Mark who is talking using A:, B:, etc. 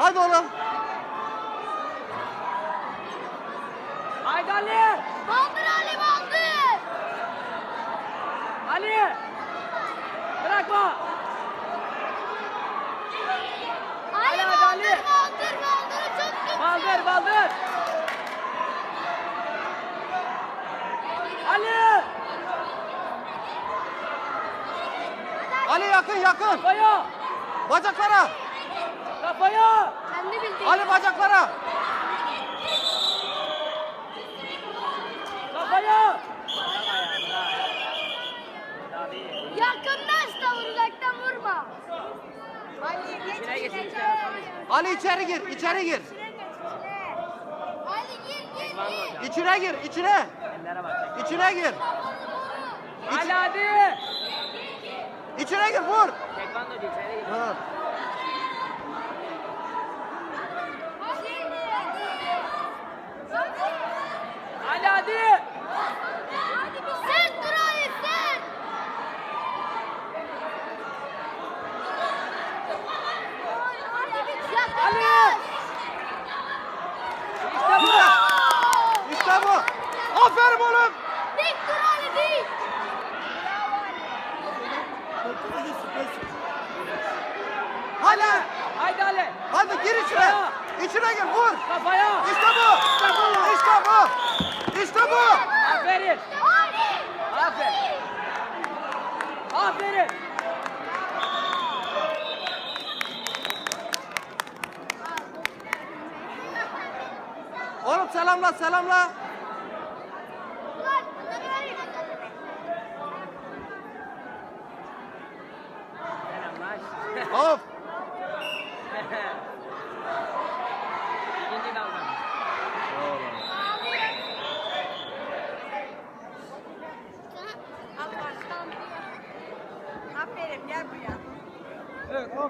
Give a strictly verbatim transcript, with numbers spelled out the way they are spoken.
A: Hadi oğlum.
B: Haydi Ali.
C: Baldır Ali baldır.
B: Ali. Bırakma.
C: Ali
B: Hadi,
C: baldır
B: Ali.
C: baldır baldır çok güçlü.
B: Baldır baldır. Ali.
A: Ali yakın yakın.
B: Kafaya.
A: Bacaklara.
B: Kafaya.
C: Kendi bildiğin.
A: Ali bacaklara.
B: Kafaya.
C: Yakından da vur, uzaktan vurma. Ali geç
B: İçine geç,
C: içine.
B: içine.
A: Ali içeri gir, içeri gir.
C: İçine geç içine. Ali gir gir gir.
A: İçine gir, içine.
B: Ellere bak.
A: İçine gir.
B: Ali hadi.
A: İçine gir, vur.
B: Tekvando değil, içeri gir.
A: Ha.
B: Ali hadi.
C: Sen dur Ali sen.
B: Ali. İşte bu.
A: İşte bu. Aferin oğlum.
C: Dik dur Ali dik.
A: Hadi.
B: Haydi Ali.
A: Hadi gir içine. İçine gir, vur.
B: Kafaya.
A: İşte bu. İşte bu. İşte bu.
B: Aferin.
C: Ali.
B: Aferin. Aferin.
A: Oğlum selamla, selamla.
C: Ulan bunları vereyim.
B: Selamlar.
A: Hop.
B: İkinci dalga.
C: Aferin gel buraya.
A: Evet,